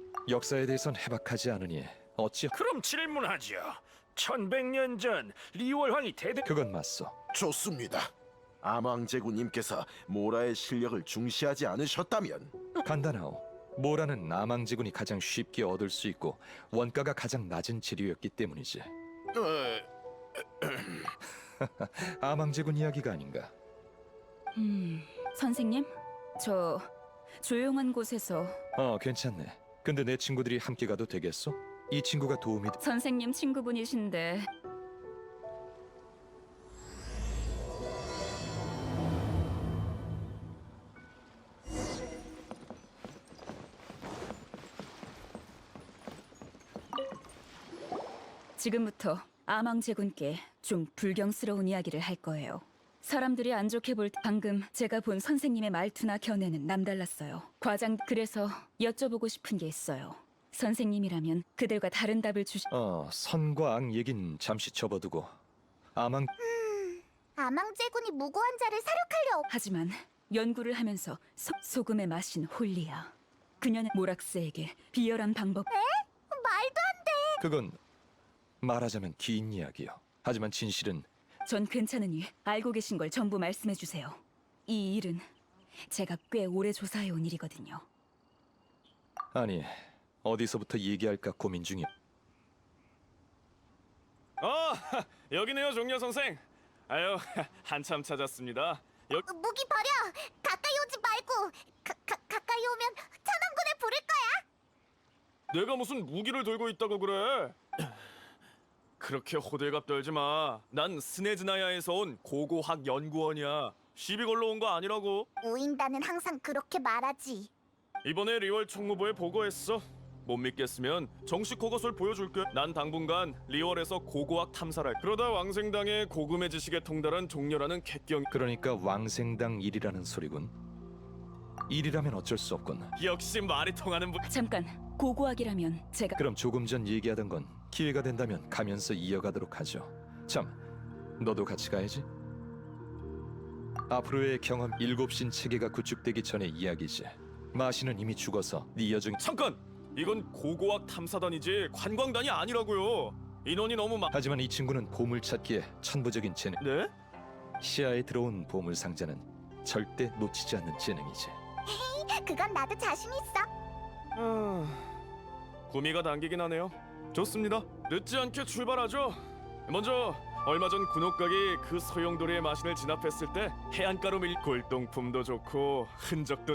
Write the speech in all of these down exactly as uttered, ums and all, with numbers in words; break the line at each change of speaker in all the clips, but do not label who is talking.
역사에 대해선 해박하지 않으니 어찌
그럼 질문하지요. 천백 년 전 리월황이 대대
그건 맞소.
좋습니다. 아망제군님께서 모라의 실력을 중시하지 않으셨다면
간단하오. 모라는 아망제군이 가장 쉽게 얻을 수 있고 원가가 가장 낮은 재료였기 때문이지.
어,
아망제군 이야기가 아닌가.
음, 선생님, 저 조용한 곳에서
어, 괜찮네. 근데 내 친구들이 함께 가도 되겠소? 이 친구가 도움이 돼.
선생님 친구분이신데 지금부터 아망제군께 좀 불경스러운 이야기를 할 거예요. 사람들이 안 좋게 볼 때 방금 제가 본 선생님의 말투나 견해는 남달랐어요. 과장 그래서 여쭤보고 싶은 게 있어요. 선생님이라면 그들과 다른 답을 주시...
어, 선과 악 얘긴 잠시 접어두고 아망
아망제군이 무고한 자를 사륙하려.
하지만 연구를 하면서 소, 소금의 맛인 홀리야. 그녀는 모락스에게 비열한 방법...
말도 안 돼.
그건 말하자면 긴 이야기요. 하지만 진실은
전 괜찮으니 알고 계신 걸 전부 말씀해 주세요. 이 일은 제가 꽤 오래 조사해온 일이거든요.
아니 어디서부터 얘기할까 고민 중이야.
어, 여기네요, 종려 선생. 아유, 한참 찾았습니다. 여...
무기 버려. 가까이 오지 말고. 가, 가, 가까이 오면 천왕군을 부를 거야.
내가 무슨 무기를 들고 있다고 그래? 그렇게 호들갑 떨지 마. 난 스네즈나야에서 온 고고학 연구원이야. 시비 걸러 온 거 아니라고.
우인단은 항상 그렇게 말하지.
이번에 리월 총무부에 보고했어. 못 믿겠으면 정식 허가서를 보여줄게. 난 당분간 리월에서 고고학 탐사를 할. 그러다 왕생당의 고금의 지식에 통달한 종려라는 객경.
그러니까 왕생당 일이라는 소리군. 일이라면 어쩔 수 없군.
역시 말이 통하는 분.
잠깐, 고고학이라면 제가...
그럼 조금 전 얘기하던 건 기회가 된다면 가면서 이어가도록 하죠. 참, 너도 같이 가야지. 앞으로의 경험 일곱 신 체계가 구축되기 전의 이야기지. 마시는 이미 죽어서 네 여중...
잠깐! 이건 고고학 탐사단이지 관광단이 아니라고요. 인원이 너무 많...
하지만 이 친구는 보물 찾기에 천부적인 재능.
네?
시야에 들어온 보물 상자는 절대 놓치지 않는 재능이지.
그건 나도 자신 있어.
아... 구미가 당기긴 하네요. 좋습니다. 늦지 않게 출발하죠. 먼저 얼마 전 군옥각이 그 소용돌이의 마신을 진압했을 때 해안가로 밀 골동품도 좋고 흔적도...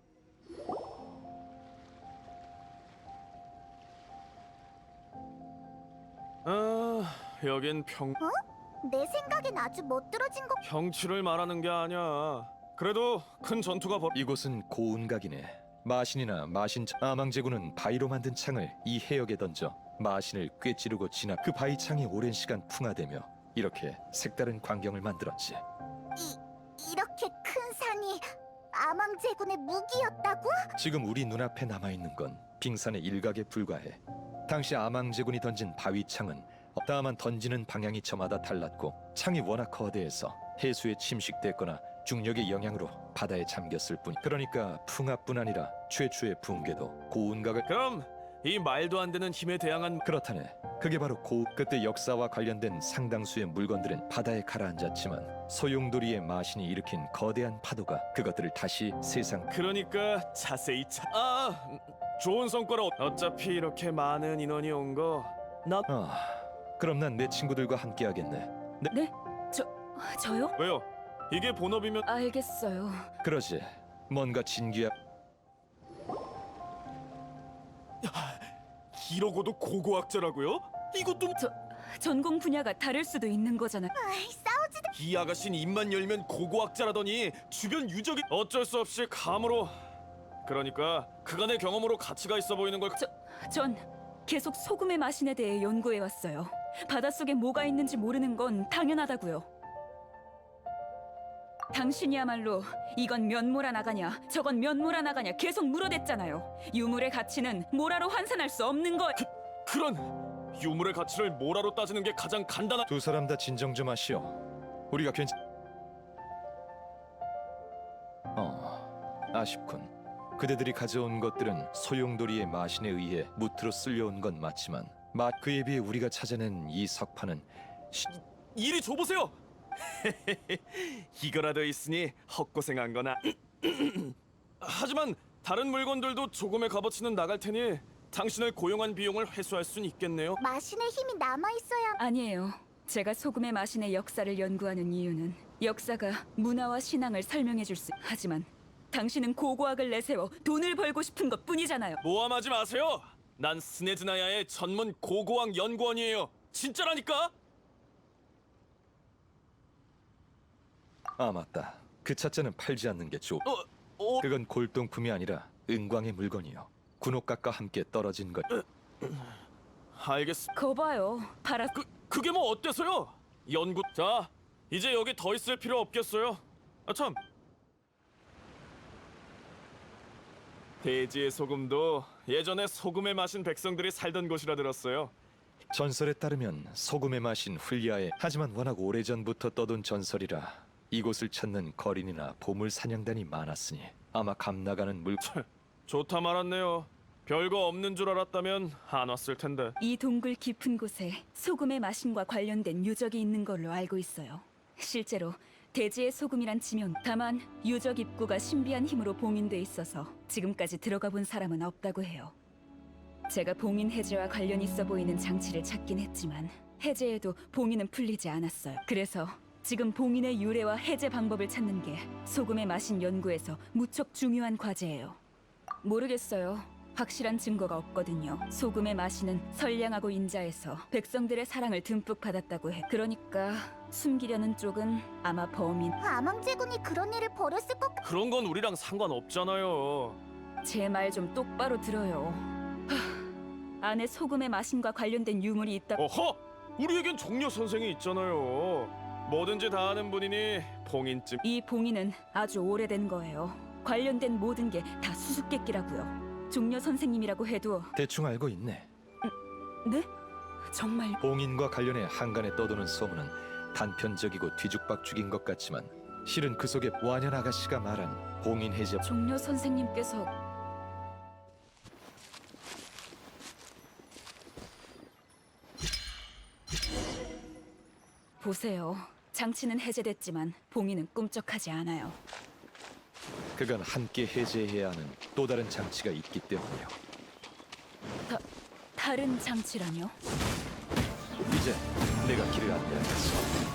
아... 여긴 평...
내 생각엔 아주 멋들어진 거.
평치를 말하는 게 아니야. 그래도 큰 전투가 벌...
이곳은 고운각이네. 마신이나 마신 아망제군은 바위로 만든 창을 이 해역에 던져 마신을 꿰찌르고 진압. 그 바위 창이 오랜 시간 풍화되며 이렇게 색다른 광경을 만들었지.
이 이렇게 큰 산이 아망제군의 무기였다고?
지금 우리 눈앞에 남아있는 건 빙산의 일각에 불과해. 당시 아망제군이 던진 바위 창은 다만 던지는 방향이 저마다 달랐고 창이 워낙 거대해서 해수에 침식됐거나 중력의 영향으로 바다에 잠겼을 뿐. 그러니까 풍압뿐 아니라 최초의 붕괴도 고운각을...
그럼 이 말도 안 되는 힘에 대항한...
그렇다네. 그게 바로 고... 그때 역사와 관련된 상당수의 물건들은 바다에 가라앉았지만 소용돌이의 마신이 일으킨 거대한 파도가 그것들을 다시 세상...
그러니까 자세히 차... 아... 좋은 성과라. 어차피 이렇게 많은 인원이 온 거... 나...
아... 그럼 난 내 친구들과 함께 하겠네. 네?
네? 저... 저요?
왜요? 이게 본업이면...
알겠어요.
그러지. 뭔가 진귀한...
이러고도 고고학자라고요? 이것도...
저... 전공 분야가 다를 수도 있는 거잖아.
아이, 싸우지도.
이 아가씨는 입만 열면 고고학자라더니 주변 유적이... 어쩔 수 없이 감으로... 그러니까 그간의 경험으로 가치가 있어 보이는 걸...
저... 전 계속 소금의 마신에 대해 연구해 왔어요. 바닷속에 뭐가 있는지 모르는 건 당연하다고요. 당신이야말로 이건 면모라 나가냐 저건 면모라 나가냐 계속 물어댔잖아요. 유물의 가치는 모라로 환산할 수 없는 거...
그런 유물의 가치를 모라로 따지는 게 가장 간단한...
두 사람 다 진정 좀 하시오. 우리가 괜찮... 어... 아쉽군. 그대들이 가져온 것들은 소용돌이의 마신에 의해 무트로 쓸려온 건 맞지만 마 그에 비해 우리가 찾아낸 이 석판은 시-
이리 줘보세요. 이거라도 있으니 헛고생한 거나. 하지만 다른 물건들도 조금의 값어치는 나갈 테니 당신을 고용한 비용을 회수할 순 있겠네요.
마신의 힘이 남아 있어야.
아니에요. 제가 소금의 마신의 역사를 연구하는 이유는 역사가 문화와 신앙을 설명해 줄 수. 하지만 당신은 고고학을 내세워 돈을 벌고 싶은 것뿐이잖아요.
모함하지 마세요. 난 스네즈나야의 전문 고고학 연구원이에요. 진짜라니까.
아 맞다. 그 차자는 팔지 않는 게 좋.
어, 어,
그건 골동품이 아니라 은광의 물건이요. 군옥각과 함께 떨어진 것.
알겠어.
거봐요. 팔아.
그 그게 뭐 어때서요? 연구. 자, 이제 여기 더 있을 필요 없겠어요. 아 참. 대지의 소금도 예전에 소금에 마신 백성들이 살던 곳이라 들었어요.
전설에 따르면 소금의 맛인 훌리아에 하지만 워낙 오래전부터 떠돈 전설이라 이곳을 찾는 거린이나 보물 사냥단이 많았으니 아마 감나가는 물.
좋다 말았네요. 별거 없는 줄 알았다면 안 왔을 텐데.
이 동굴 깊은 곳에 소금의 마신과 관련된 유적이 있는 걸로 알고 있어요. 실제로 대지의 소금이란 지명. 다만 유적 입구가 신비한 힘으로 봉인돼 있어서 지금까지 들어가 본 사람은 없다고 해요. 제가 봉인 해제와 관련 있어 보이는 장치를 찾긴 했지만 해제에도 봉인은 풀리지 않았어요. 그래서 지금 봉인의 유래와 해제 방법을 찾는 게 소금의 마신 연구에서 무척 중요한 과제예요. 모르겠어요. 확실한 증거가 없거든요. 소금의 마신은 선량하고 인자해서 백성들의 사랑을 듬뿍 받았다고 해. 그러니까 숨기려는 쪽은 아마 범인.
아망제군이 그런 일을 벌였을 것 같...
그런 건 우리랑 상관없잖아요.
제 말 좀 똑바로 들어요. 하, 안에 소금의 마신과 관련된 유물이 있다.
어허! 우리에겐 종려 선생이 있잖아요. 뭐든지 다 아는 분이니 봉인쯤.
이 봉인은 아주 오래된 거예요. 관련된 모든 게 다 수수께끼라고요. 종려 선생님이라고 해도.
대충 알고 있네.
네? 정말.
봉인과 관련해 한간에 떠도는 소문은 단편적이고 뒤죽박죽인 것 같지만 실은 그 속에 완연 아가씨가 말한 봉인 해제.
종려 선생님께서 보세요. 장치는 해제됐지만 봉인은 꿈쩍하지 않아요.
그건 함께 해제해야 하는 또 다른 장치가 있기 때문이요.
다, 다른 장치라뇨?
이제 내가 길을 안내하겠어.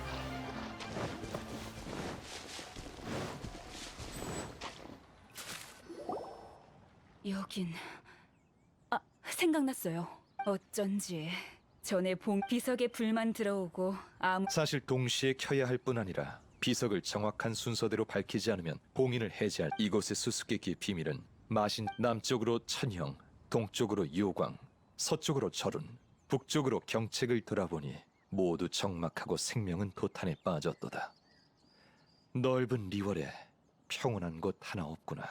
여긴... 아, 생각났어요. 어쩐지 전에 봉 비석에 불만 들어오고 아무...
사실 동시에 켜야 할 뿐 아니라 비석을 정확한 순서대로 밝히지 않으면 봉인을 해제할 이곳의 수수께끼의 비밀은 마신 남쪽으로 천형, 동쪽으로 요광, 서쪽으로 절운, 북쪽으로 경책을 돌아보니 모두 적막하고 생명은 도탄에 빠졌도다. 넓은 리월에 평온한 곳 하나 없구나.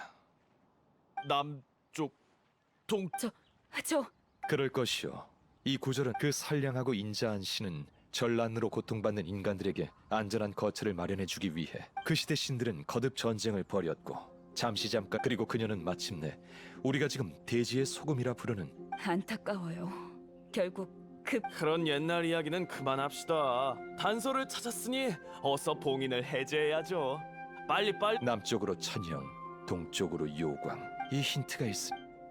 남쪽, 동.
저... 저...
그럴 것이요. 이 구절은 그 선량하고 인자한 신은 전란으로 고통받는 인간들에게 안전한 거처를 마련해주기 위해 그 시대 신들은 거듭 전쟁을 벌였고 잠시 잠깐 그리고 그녀는 마침내 우리가 지금 대지의 소금이라 부르는
안타까워요. 결국 그...
그런 옛날 이야기는 그만합시다. 단서를 찾았으니 어서 봉인을 해제해야죠. 빨리 빨리.
남쪽으로 천형, 동쪽으로 요광. 이 힌트가 있으.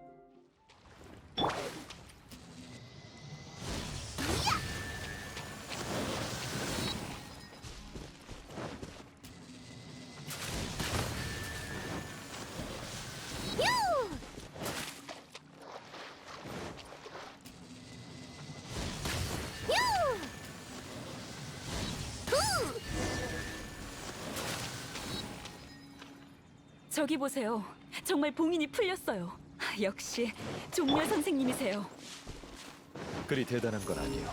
저기 보세요. 정말 봉인이 풀렸어요. 역시 종려 선생님이세요.
그리 대단한 건 아니요.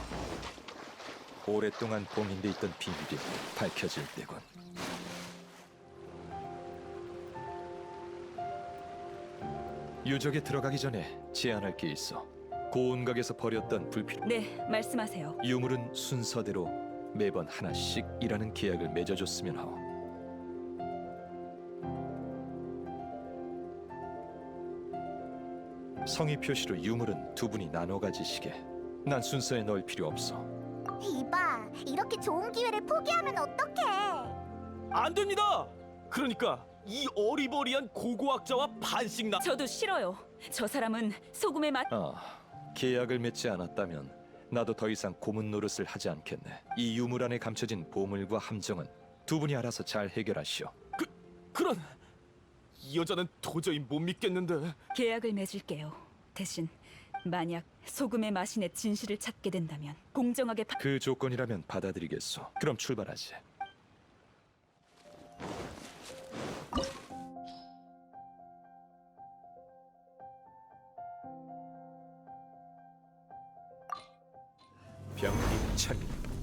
오랫동안 봉인돼 있던 비밀이 밝혀질 때군. 유적에 들어가기 전에 제안할 게 있어. 고운각에서 버렸던 불필요
네, 말씀하세요.
유물은 순서대로 매번 하나씩이라는 계약을 맺어줬으면 하오. 성의 표시로 유물은 두 분이 나눠 가지시게. 난 순서에 넣을 필요 없어.
이봐, 이렇게 좋은 기회를 포기하면 어떡해?
안 됩니다. 그러니까 이 어리버리한 고고학자와 반씩 나.
저도 싫어요. 저 사람은 소금의 맛.
아, 계약을 맺지 않았다면 나도 더 이상 고문 노릇을 하지 않겠네. 이 유물 안에 감춰진 보물과 함정은 두 분이 알아서 잘 해결하시오.
그런 이 여자는 도저히 못 믿겠는데.
계약을 맺을게요. 대신 만약 소금의 마신의 진실을 찾게 된다면 공정하게 파...
그 조건이라면 받아들이겠소. 그럼 출발하지. 병입차기.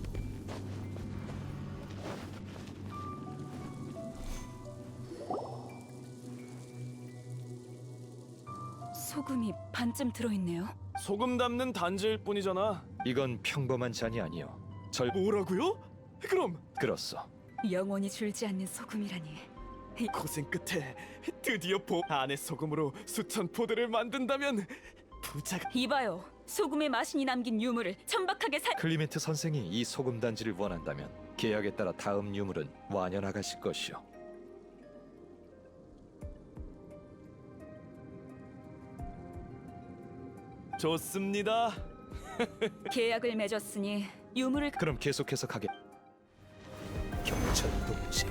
소금이 반쯤 들어있네요.
소금 담는 단지일 뿐이잖아.
이건 평범한 잔이 아니오. 절
뭐라고요? 그럼
그렇소.
영원히 줄지 않는 소금이라니.
고생 끝에 드디어 보 안의 소금으로 수천 포대를 만든다면 부자가.
이봐요. 소금의 마신이 남긴 유물을 천박하게 살...
클리멘트 선생이 이 소금 단지를 원한다면 계약에 따라 다음 유물은 완연하가실 것이오.
좋습니다.
계약을 맺었으니 유물을...
그럼 계속해서 가게.
경찰 동지.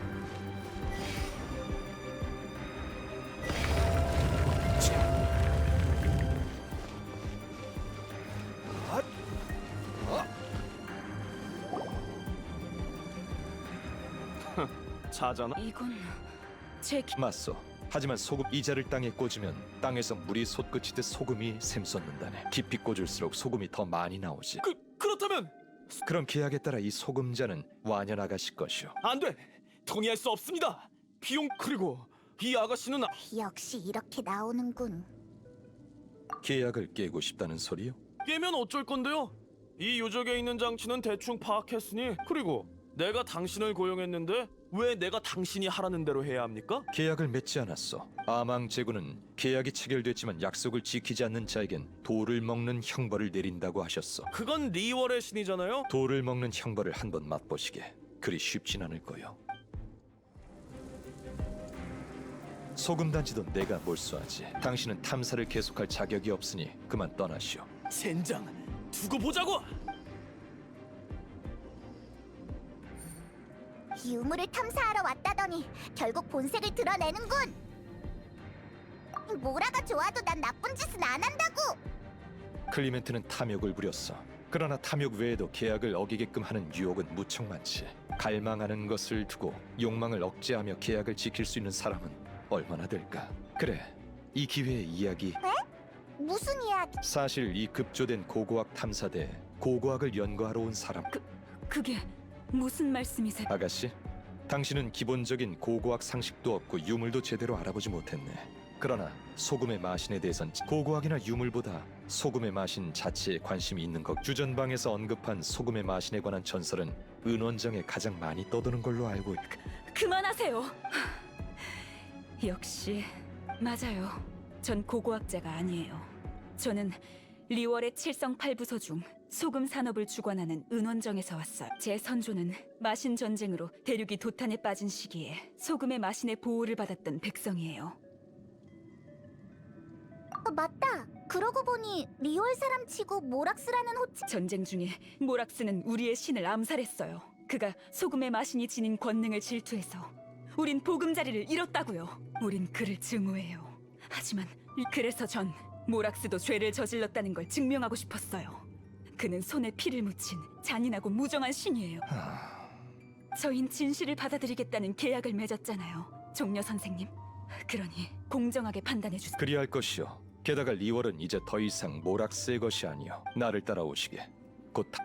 자잖아.
이건... 제... 기...
맞소. 하지만 소금 이자를 땅에 꽂으면 땅에서 물이 솟구치듯 소금이 샘솟는다네. 깊이 꽂을수록 소금이 더 많이 나오지.
그 그렇다면
그럼 계약에 따라 이 소금자는 완연하가실 것이오.
안 돼. 동의할 수 없습니다. 비용 그리고 이 아가씨는 아-
역시 이렇게 나오는군.
계약을 깨고 싶다는 소리요?
깨면 어쩔 건데요? 이 유적에 있는 장치는 대충 파악했으니 그리고 내가 당신을 고용했는데 왜 내가 당신이 하라는 대로 해야 합니까?
계약을 맺지 않았어. 아망 제군은 계약이 체결됐지만 약속을 지키지 않는 자에겐 돌을 먹는 형벌을 내린다고 하셨어.
그건 리월의 신이잖아요.
돌을 먹는 형벌을 한번 맛보시게. 그리 쉽진 않을 거요. 소금 단지도 내가 몰수하지. 당신은 탐사를 계속할 자격이 없으니 그만 떠나시오.
젠장 두고 보자고.
유물을 탐사하러 왔다더니 결국 본색을 드러내는군. 모라가 좋아도 난 나쁜 짓은 안 한다고.
클리멘트는 탐욕을 부렸어. 그러나 탐욕 외에도 계약을 어기게끔 하는 유혹은 무척 많지. 갈망하는 것을 두고 욕망을 억제하며 계약을 지킬 수 있는 사람은 얼마나 될까? 그래, 이 기회의 이야기.
무슨 이야기?
사실 이 급조된 고고학 탐사대에 고고학을 연구하러 온 사람.
그게 무슨 말씀이세요?
아가씨, 당신은 기본적인 고고학 상식도 없고 유물도 제대로 알아보지 못했네. 그러나 소금의 마신에 대해선 고고학이나 유물보다 소금의 마신 자체에 관심이 있는 것. 주전방에서 언급한 소금의 마신에 관한 전설은 은원정에 가장 많이 떠도는 걸로 알고 있...
그만하세요. 역시 맞아요. 전 고고학자가 아니에요. 저는 리월의 칠성팔부소 중 소금 산업을 주관하는 은원정에서 왔어요. 제 선조는 마신 전쟁으로 대륙이 도탄에 빠진 시기에 소금의 마신의 보호를 받았던 백성이에요.
어, 맞다. 그러고 보니 리월 사람 치고 모락스라는 호칭.
전쟁 중에 모락스는 우리의 신을 암살했어요. 그가 소금의 마신이 지닌 권능을 질투해서 우린 보금자리를 잃었다고요. 우린 그를 증오해요. 하지만 그래서 전 모락스도 죄를 저질렀다는 걸 증명하고 싶었어요. 그는 손에 피를 묻힌 잔인하고 무정한 신이에요. 저흰 진실을 받아들이겠다는 계약을 맺었잖아요, 종려 선생님. 그러니 공정하게 판단해 주세요.
그리할 것이오. 게다가 리월은 이제 더 이상 모락스의 것이 아니오. 나를 따라오시게. 곧 다...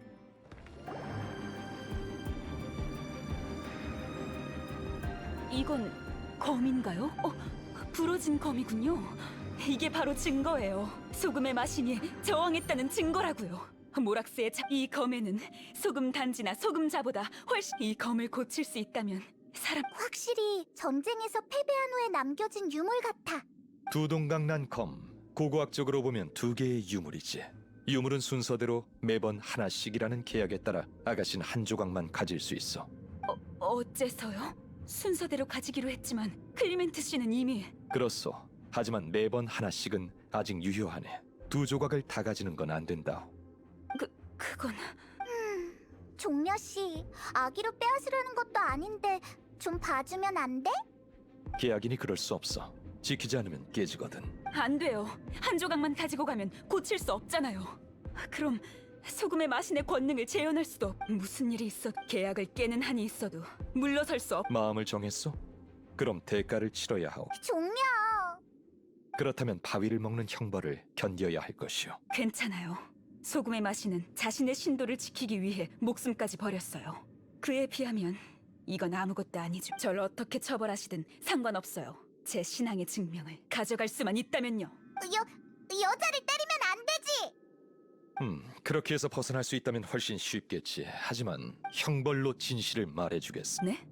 이건 검인가요? 어, 부러진 검이군요. 이게 바로 증거예요. 소금의 마신이 저항했다는 증거라고요. 모락스의 자... 이 검에는 소금 단지나 소금자보다 훨씬... 이 검을 고칠 수 있다면 사람...
확실히 전쟁에서 패배한 후에 남겨진 유물 같아.
두 동강 난 검. 고고학적으로 보면 두 개의 유물이지. 유물은 순서대로 매번 하나씩이라는 계약에 따라 아가씨는 한 조각만 가질 수 있어.
어, 어째서요? 순서대로 가지기로 했지만 클리멘트 씨는 이미
그렇소. 하지만 매번 하나씩은 아직 유효하네. 두 조각을 다 가지는 건 안 된다.
그 그건
종려 씨, 아기로 빼앗으려는 것도 아닌데 좀 봐주면 안 돼?
계약이니 그럴 수 없어. 지키지 않으면 깨지거든.
안 돼요. 한 조각만 가지고 가면 고칠 수 없잖아요. 그럼 소금의 마신의 권능을 재현할 수도 없- 무슨 일이 있어 계약을 깨는 한이 있어도 물러설 수 없.
마음을 정했소? 그럼 대가를 치러야 하오.
종려!
그렇다면 바위를 먹는 형벌을 견뎌야 할 것이오.
괜찮아요. 소금의 마신은 자신의 신도를 지키기 위해 목숨까지 버렸어요. 그에 비하면 이건 아무것도 아니죠. 절 어떻게 처벌하시든 상관없어요. 제 신앙의 증명을 가져갈 수만 있다면요.
여, 여자를 때리면 안 되지!
음, 그렇게 해서 벗어날 수 있다면 훨씬 쉽겠지. 하지만 형벌로 진실을 말해주겠어.
네?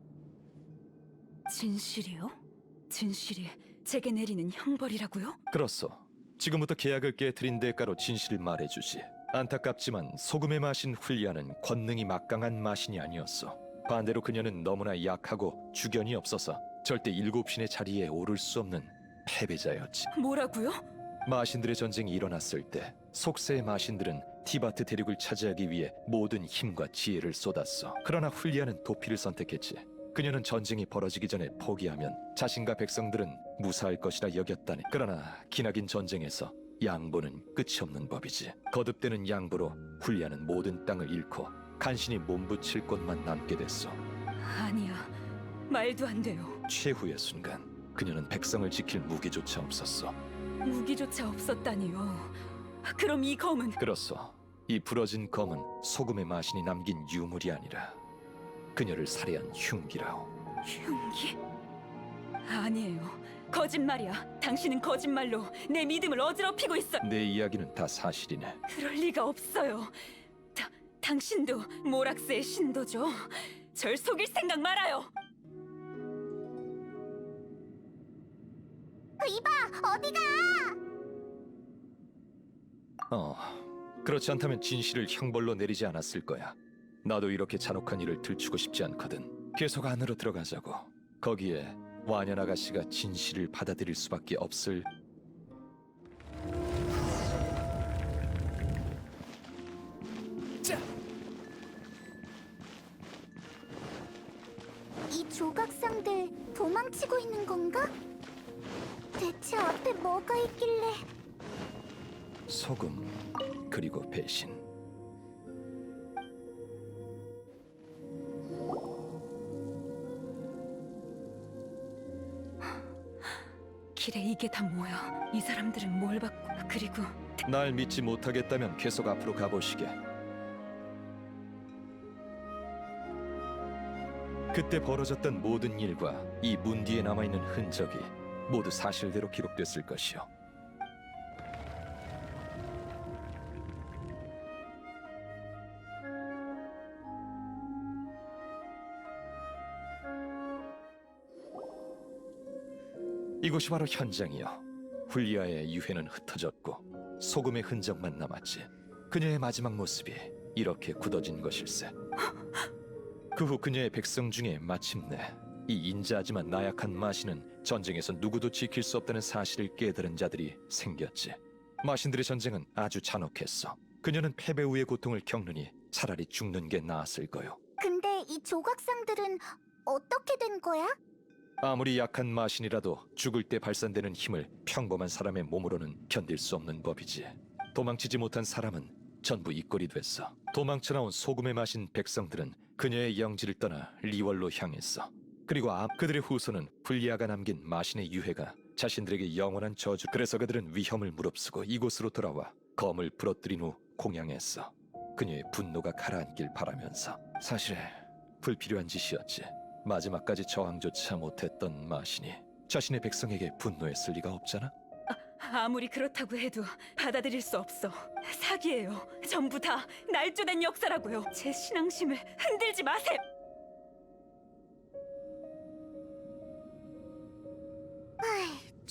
진실이요? 진실이 제게 내리는 형벌이라고요?
그렇소. 지금부터 계약을 깨뜨린 대가로 진실을 말해주지. 안타깝지만 소금의 마신 훌리아는 권능이 막강한 마신이 아니었어. 반대로 그녀는 너무나 약하고 주견이 없어서 절대 일곱 신의 자리에 오를 수 없는 패배자였지.
뭐라고요?
마신들의 전쟁이 일어났을 때 속세의 마신들은 티바트 대륙을 차지하기 위해 모든 힘과 지혜를 쏟았어. 그러나 훌리아는 도피를 선택했지. 그녀는 전쟁이 벌어지기 전에 포기하면 자신과 백성들은 무사할 것이라 여겼다네. 그러나 기나긴 전쟁에서 양보는 끝이 없는 법이지. 거듭되는 양보로 훌리아는 모든 땅을 잃고 간신히 몸부칠 곳만 남게 됐어.
아니야. 말도 안 돼요.
최후의 순간 그녀는 백성을 지킬 무기조차 없었어.
무기조차 없었다니요. 그럼 이 검은
그렇소. 이 부러진 검은 소금의 마신이 남긴 유물이 아니라 그녀를 살해한 흉기라오.
흉기? 아니에요. 거짓말이야. 당신은 거짓말로 내 믿음을 어지럽히고 있어.
내 이야기는 다 사실이네.
그럴 리가 없어요. 다, 당신도 모락스의 신도죠. 절 속일 생각 말아요.
이봐, 어디가?
어, 그렇지 않다면 진실을 형벌로 내리지 않았을 거야. 나도 이렇게 잔혹한 일을 들추고 싶지 않거든. 계속 안으로 들어가자고. 거기에 완연 아가씨가 진실을 받아들일 수밖에 없을.
자,
이 조각상들 도망치고 있는 건가? 대체 앞에 뭐가 있길래?
소금 그리고 배신.
길에 이게 다 뭐야? 이 사람들은 뭘 받고 그리고
날 믿지 못하겠다면 계속 앞으로 가보시게. 그때 벌어졌던 모든 일과 이 문 뒤에 남아있는 흔적이 모두 사실대로 기록됐을 것이요. 이곳이 바로 현장이요. 훌리아의 유해는 흩어졌고 소금의 흔적만 남았지. 그녀의 마지막 모습이 이렇게 굳어진 것일세. 그 후 그녀의 백성 중에 마침내 이 인자하지만 나약한 마신은 전쟁에서 누구도 지킬 수 없다는 사실을 깨달은 자들이 생겼지. 마신들의 전쟁은 아주 잔혹했어. 그녀는 패배 후의 고통을 겪느니 차라리 죽는 게 나았을 거요.
근데 이 조각상들은 어떻게 된 거야?
아무리 약한 마신이라도 죽을 때 발산되는 힘을 평범한 사람의 몸으로는 견딜 수 없는 법이지. 도망치지 못한 사람은 전부 이꼴이 됐어. 도망쳐 나온 소금에 마신 백성들은 그녀의 영지를 떠나 리월로 향했어. 그리고 아, 그들의 후손은 훌리아가 남긴 마신의 유해가 자신들에게 영원한 저주. 그래서 그들은 위험을 무릅쓰고 이곳으로 돌아와 검을 부러뜨린 후 공양했어. 그녀의 분노가 가라앉길 바라면서. 사실 불필요한 짓이었지. 마지막까지 저항조차 못했던 마신이 자신의 백성에게 분노했을 리가 없잖아.
아무리 그렇다고 해도 받아들일 수 없어. 사기예요. 전부 다 날조된 역사라고요. 제 신앙심을 흔들지 마세요.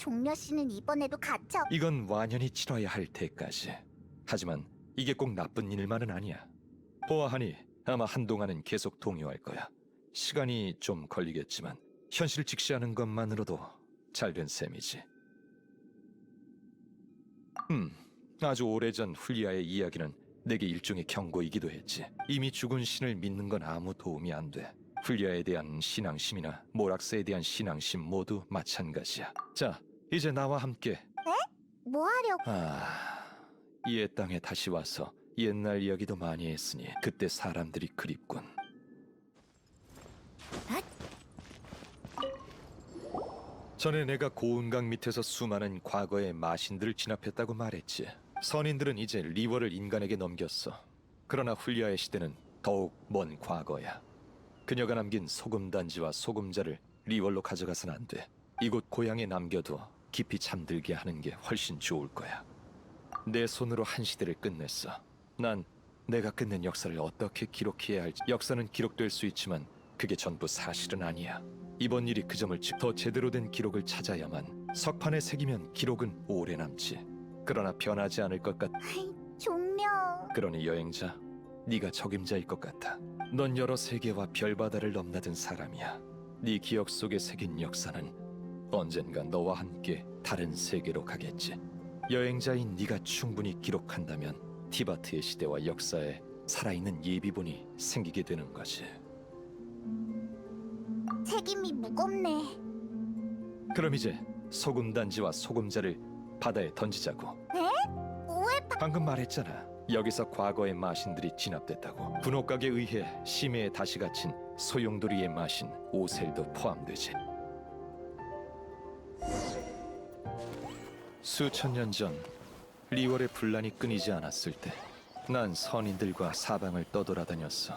종려 씨는 이번에도 갇혀.
이건 완연히 치러야 할 때까지. 하지만 이게 꼭 나쁜 일만은 아니야. 보아하니 아마 한동안은 계속 동요할 거야. 시간이 좀 걸리겠지만 현실을 직시하는 것만으로도 잘된 셈이지. 음, 아주 오래전 훌리아의 이야기는 내게 일종의 경고이기도 했지. 이미 죽은 신을 믿는 건 아무 도움이 안 돼. 훌리아에 대한 신앙심이나 모락스에 대한 신앙심 모두 마찬가지야. 자, 이제 나와 함께.
뭐 하려고?
아, 이의 땅에 다시 와서 옛날 이야기도 많이 했으니 그때 사람들이 그립군. 전에 내가 고운강 밑에서 수많은 과거의 마신들을 진압했다고 말했지. 선인들은 이제 리워를 인간에게 넘겼어. 그러나 훌리아의 시대는 더욱 먼 과거야. 그녀가 남긴 소금단지와 소금자를 리월로 가져가선 안 돼. 이곳 고향에 남겨둬 깊이 잠들게 하는 게 훨씬 좋을 거야. 내 손으로 한 시대를 끝냈어. 난 내가 끝낸 역사를 어떻게 기록해야 할지. 역사는 기록될 수 있지만 그게 전부 사실은 아니야. 이번 일이 그 점을 짚, 더 제대로 된 기록을 찾아야만. 석판에 새기면 기록은 오래 남지. 그러나 변하지 않을 것 같.
종려.
그러니 여행자, 네가 적임자일 것 같아. 넌 여러 세계와 별바다를 넘나든 사람이야. 네 기억 속에 새긴 역사는 언젠가 너와 함께 다른 세계로 가겠지. 여행자인 네가 충분히 기록한다면 티바트의 시대와 역사에 살아있는 예비본이 생기게 되는 거지.
책임이 무겁네.
그럼 이제 소금단지와 소금자를 바다에 던지자고.
왜 바...
방금 말했잖아. 여기서 과거의 마신들이 진압됐다고. 군옥각에 의해 심해에 다시 갇힌 소용돌이의 마신 오셀도 포함되지. 수천 년 전 리월의 분란이 끊이지 않았을 때 난 선인들과 사방을 떠돌아다녔어.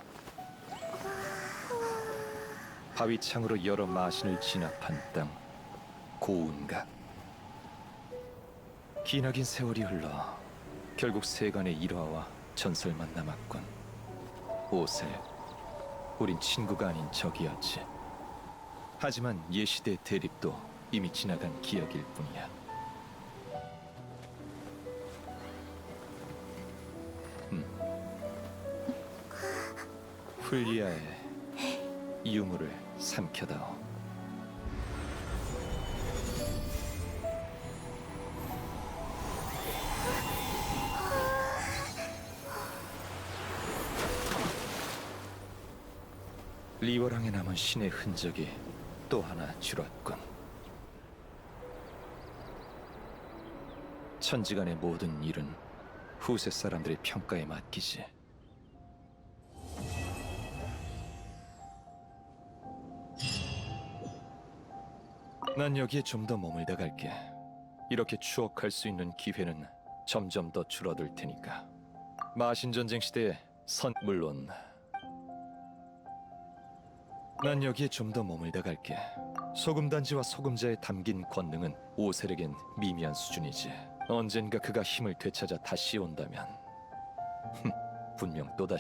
바위창으로 여러 마신을 진압한 땅, 고운각. 기나긴 세월이 흘러 결국 세간의 일화와 전설만 남았군. 오셀, 우린 친구가 아닌 적이었지. 하지만 예시대 대립도 이미 지나간 기억일 뿐이야. 음. 훌리아의 유물을 삼켜다오. 리워랑에 남은 신의 흔적이 또 하나 줄었군. 천지간의 모든 일은 후세 사람들의 평가에 맡기지. 난 여기에 좀 더 머물다 갈게. 이렇게 추억할 수 있는 기회는 점점 더 줄어들 테니까. 마신전쟁 시대의 선... 물론 난 여기에 좀 더 머물다 갈게. 소금단지와 소금자에 담긴 권능은 오셀에겐 미미한 수준이지. 언젠가 그가 힘을 되찾아 다시 온다면 흠, 분명 또다시.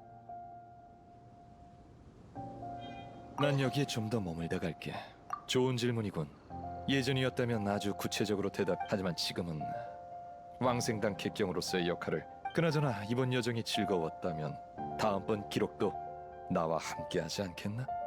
난 여기에 좀 더 머물다 갈게. 좋은 질문이군. 예전이었다면 아주 구체적으로 대답. 하지만 지금은 왕생당 객경으로서의 역할을. 그나저나 이번 여정이 즐거웠다면 다음번 기록도 나와 함께하지 않겠나?